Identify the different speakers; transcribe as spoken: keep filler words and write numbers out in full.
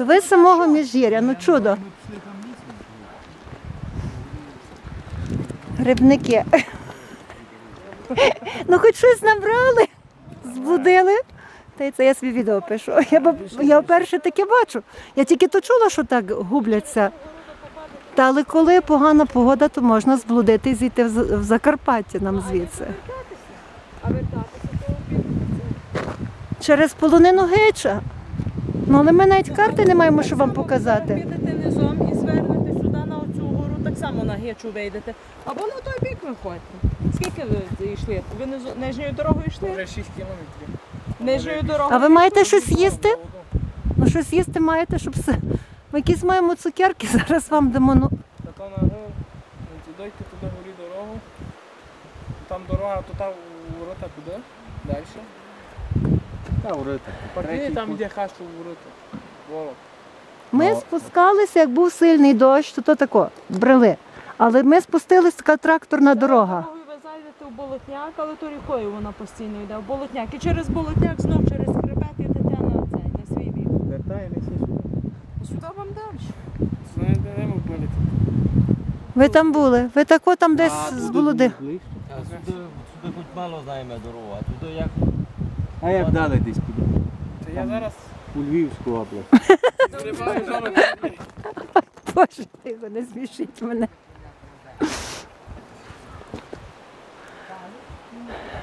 Speaker 1: То ви з самого Міжгір'я, ну чудо. Грибники. Ну хоч щось набрали, збудили. Та й це я собі відео пишу. Я, б, я вперше таке бачу. Я тільки то чула, що так губляться. Та але коли погана погода, то можна зблудити і зійти в, в Закарпаття нам звідси.
Speaker 2: А вертатися, то обідно.
Speaker 1: Через полонину Гича. Ну, але ми навіть карти не маємо, що вам показати.
Speaker 2: Підете низом і звернете сюди на оцю гору, так само на Гичу вийдете. Або на той бік виходьте. Скільки ви йшли? Ви низу- нижньою дорогою йшли?
Speaker 3: Вже шість кілометрів.
Speaker 2: Нижньою дорогою.
Speaker 1: А ви маєте щось їсти? Ну, щось їсти маєте, щоб все. Ми якісь маємо цукерки, зараз вам дамо. Ну.
Speaker 3: Та то на гору, дойти туди горі дорогу. Там дорога, то там ворота куди? Далі.
Speaker 4: Та ворота.
Speaker 3: Партії там йде хащу ворота. Ворот.
Speaker 1: Ми спускалися, як був сильний дощ, то то тако, брели. Але ми спустилися, така тракторна дорога.
Speaker 2: Дорогою ви зайдете в Болотняк, але то рікою вона постійно йде. В Болотняк. І через Болотняк знов через хребет йдете на цей, на свій бік.
Speaker 4: Вертаємося сюди.
Speaker 2: Сюди вам далі.
Speaker 3: Знаєте, де ми були?
Speaker 1: Ви там були, ви тако там десь з Болоди.
Speaker 4: Ближче.
Speaker 5: А сюди, сюди хоч мало знаємо дорогу, а туди як
Speaker 4: А як далі десь піде?
Speaker 3: Та я зараз
Speaker 4: У Львівську область.
Speaker 3: зриваю зараз.
Speaker 1: Боже, тихо, не смішіть мене.